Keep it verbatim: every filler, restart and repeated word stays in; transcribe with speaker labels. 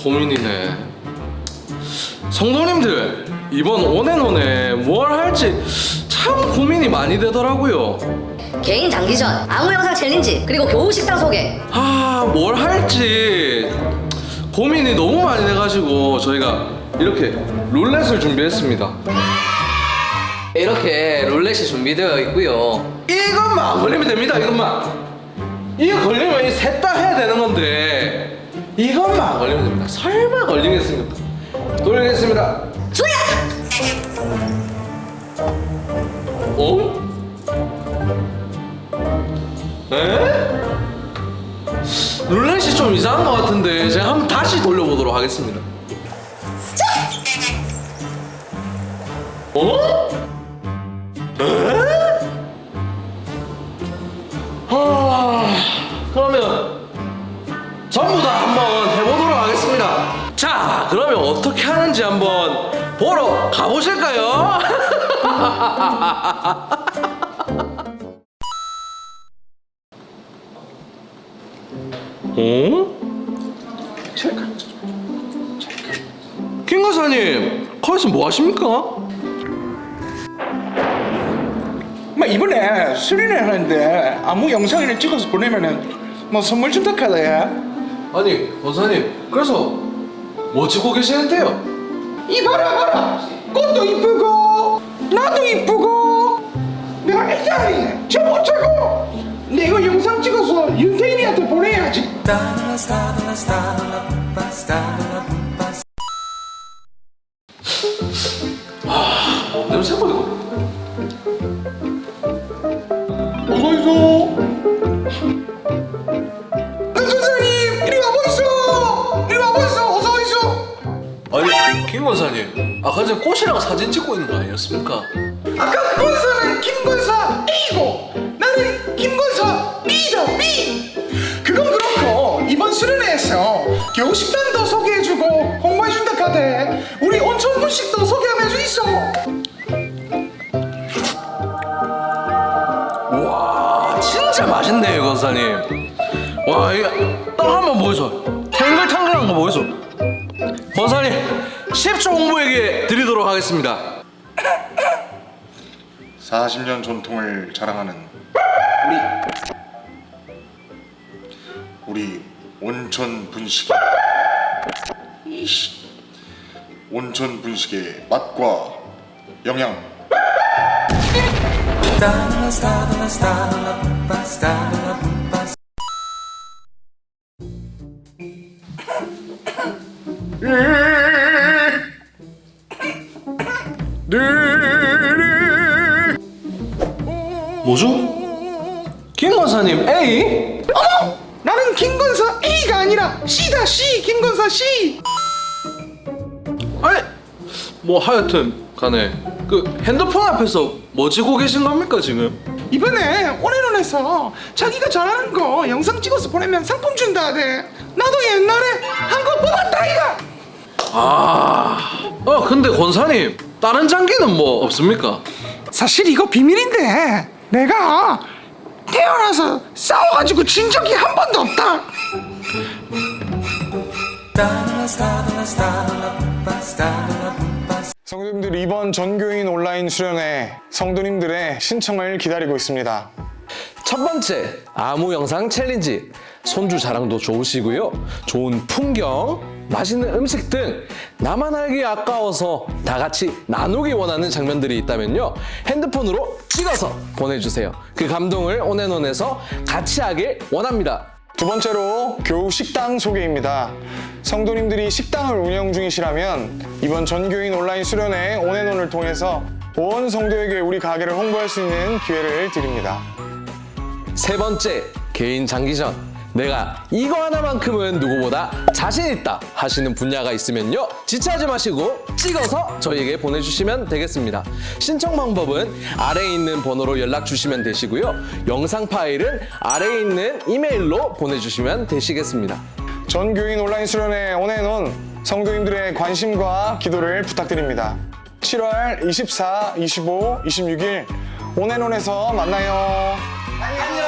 Speaker 1: 고민이네. 성도님들, 이번 온앤온에 뭘 할지 참 고민이 많이 되더라고요.
Speaker 2: 개인 장기전, 아무 영상 챌린지, 그리고 교우 식당 소개.
Speaker 1: 아, 뭘 할지 고민이 너무 많이 돼가지고 저희가 이렇게 룰렛을 준비했습니다. 이렇게 룰렛이 준비되어 있고요. 이것만 안 걸리면 됩니다. 이것만. 이거 걸리면 이 셋 다 해야 되는 건데 이것만 안 걸리면 됩니다. 설마 걸리겠습니까? 돌리겠습니다.
Speaker 2: 조야!
Speaker 1: 어? 에? 룰렛이 좀 이상한 것 같은데 제가 한번 다시 돌려보도록 하겠습니다. 어? 에? 하... 그러면 전부 다 한번 해보도록 하겠습니다. 자, 그러면 어떻게 하는지 한번 보러 가보실까요? 어? 잠깐, 잠깐. 김 강사님, 거기서 뭐 하십니까?
Speaker 3: 뭐 이번에 수련회 하는데 아무 영상을 찍어서 보내면은 뭐 선물 준다 카더야.
Speaker 1: 아니, 권사님, 그래서 뭐 찍고 계시는데요?
Speaker 3: 이봐라 봐라, 꽃도 이쁘고 나도 이쁘고 내가 일단은 저 못하고 근데 이거 영상 찍어서 윤태인이한테 보내야지.
Speaker 1: 아, 냄새가 이거.
Speaker 3: 어서오소. 강선생님 이리 와보이소. 이리 와보이소. 어서오이소.
Speaker 1: 아니, 김 권사님, 아까 전에 꽃이랑 사진 찍고 있는 거 아니었습니까?
Speaker 3: 아까 그 권사는 김권사 A고 나는 김권사 B다 B. 그건 그렇고 이번 수련회에서 교식단도 소개해주고 홍보해준다 카대. 우리 온천분식도 소개 한번 해주 있어.
Speaker 1: 와, 진짜 맛있네요, 권사님. 와, 이거 딱 한번 보여줘. 탱글탱글한 거 보여줘. 권사님, 십 초 홍보에게 드리도록 하겠습니다.
Speaker 4: 사십 년 전통을 자랑하는 우리 우리 온천 분식의 이씨, 온천 분식의 맛과 영양.
Speaker 1: 뭐죠? 김 권사님 A?
Speaker 3: 어머! 나는 김권사 A가 아니라 C다 C. 김권사 C.
Speaker 1: 아니, 뭐 하여튼 간에 그 핸드폰 앞에서 뭐 찍고 계신 겁니까 지금?
Speaker 3: 이번에 온앤온에서 자기가 잘하는 거 영상 찍어서 보내면 상품 준다 하대. 나도 옛날에 한 거 뽑았다 이가.
Speaker 1: 아, 어 근데 권사님 다른 장기는 뭐 없습니까?
Speaker 3: 사실 이거 비밀인데 내가 태어나서 싸워가지고 진 적이 한 번도 없다. 성도님들, 이번 전교인 온라인 수련회 성도님들의 신청을 기다리고 있습니다.
Speaker 1: 첫 번째, 아무 영상 챌린지. 손주 자랑도 좋으시고요. 좋은 풍경, 맛있는 음식 등 나만 알기 아까워서 다 같이 나누기 원하는 장면들이 있다면요, 핸드폰으로 찍어서 보내주세요. 그 감동을 온앤온에서 같이 하길 원합니다.
Speaker 3: 두 번째로 교우 식당 소개입니다. 성도님들이 식당을 운영 중이시라면 이번 전교인 온라인 수련회 온앤온을 통해서 온 성도에게 우리 가게를 홍보할 수 있는 기회를 드립니다.
Speaker 1: 세 번째, 개인 장기전. 내가 이거 하나만큼은 누구보다 자신 있다 하시는 분야가 있으면요, 지체하지 마시고 찍어서 저희에게 보내주시면 되겠습니다. 신청 방법은 아래에 있는 번호로 연락 주시면 되시고요, 영상 파일은 아래에 있는 이메일로 보내주시면 되시겠습니다.
Speaker 3: 전교인 온라인 수련회 온앤온 성도님들의 관심과 기도를 부탁드립니다. 칠월 이십사, 이십오, 이십육 일 온앤온에서 만나요. 안녕.